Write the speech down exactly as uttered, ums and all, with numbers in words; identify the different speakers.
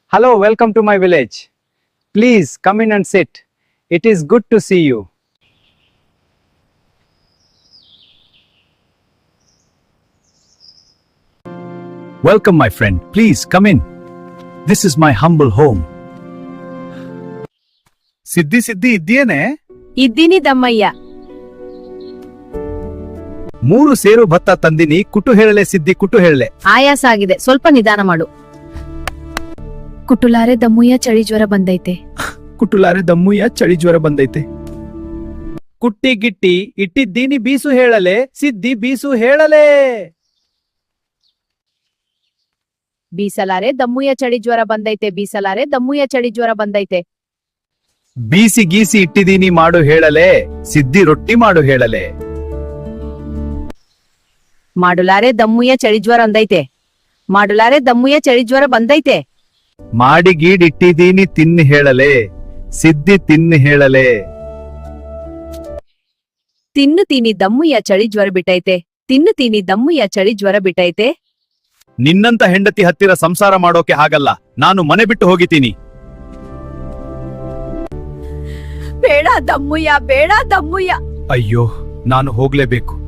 Speaker 1: Hello, welcome to my village. Please come in and sit. It is good to see you. Welcome, my friend. Please come in. This is my humble home. ಸಿದ್ದಿ ಸಿದ್ದಿ ಇದ್ದೀಯೇನೆ?
Speaker 2: ಇದ್ದೀನಿ ದಮ್ಮಯ್ಯ.
Speaker 1: ಮೂರು ಸೇರು ಭತ್ತ ತಂದಿನಿ, ಕುಟು ಹೇಳಲೆ ಸಿದ್ದಿ, ಕುಟು ಹೇಳಲೆ.
Speaker 2: ಆಯಾಸ ಆಗಿದೆ, ಸ್ವಲ್ಪ ನಿಧಾನ ಮಾಡು. ಕುಟುಲಾರೆ ದಮ್ಮಯ್ಯ, ಚಳಿ ಜ್ವರ ಬಂದೈತೆ.
Speaker 1: ಕುಟುಲಾರೆ ದಮ್ಮಯ್ಯ, ಚಳಿ ಜ್ವರ ಬಂದೈತೆ. ಕುಟ್ಟಿ ಗಿಟ್ಟಿ ಇಟ್ಟಿದ್ದೀನಿ, ಬೀಸು ಹೇಳಲೆ ಸಿದ್ದಿ, ಬೀಸು ಹೇಳಲೆ.
Speaker 2: ಬೀಸಲಾರೆ ದಮ್ಮಯ್ಯ, ಚಳಿ ಜ್ವರ ಬಂದೈತೆ. ಬೀಸಲಾರೆ ದಮ್ಮಯ್ಯ, ಚಳಿ ಜ್ವರ ಬಂದೈತೆ.
Speaker 1: ಬೀಸಿ ಗೀಸಿ ಇಟ್ಟಿದ್ದೀನಿ, ಮಾಡು ಹೇಳಲೆ ಸಿದ್ದಿ, ರೊಟ್ಟಿ ಮಾಡು ಹೇಳಲೆ.
Speaker 2: ಮಾಡುಲಾರೆ ದಮ್ಮಯ್ಯ, ಚಳಿ ಜ್ವರ ಬಂದೈತೆ. ಮಾಡುಲಾರೆ ದಮ್ಮಯ್ಯ, ಚಳಿ ಜ್ವರ ಬಂದೈತೆ.
Speaker 1: ಮಾಡಿ ಗೀಡ್ ಇಟ್ಟಿದ್ದೀನಿ, ತಿನ್ನು ಹೇಳಲೆ ಸಿದ್ದಿ, ತಿನ್ನು ಹೇಳಲೆ.
Speaker 2: ತಿನ್ನು ತೀನಿ ದಮ್ಮಯ್ಯ, ಚಳಿ ಜ್ವರ ಬಿಟ್ಟೈತೆ. ತಿನ್ನು ತೀನಿ ದಮ್ಮಯ್ಯ, ಚಳಿ ಜ್ವರ ಬಿಟ್ಟೈತೆ.
Speaker 1: ನಿನ್ನಂತ ಹೆಂಡತಿ ಹತ್ತಿರ ಸಂಸಾರ ಮಾಡೋಕೆ ಆಗಲ್ಲ, ನಾನು ಮನೆ ಬಿಟ್ಟು ಹೋಗಿತೀನಿ.
Speaker 2: ಬೇಡ ದಮ್ಮಯ್ಯ, ಬೇಡ ದಮ್ಮಯ್ಯ.
Speaker 1: ಅಯ್ಯೋ, ನಾನು ಹೋಗ್ಲೇಬೇಕು.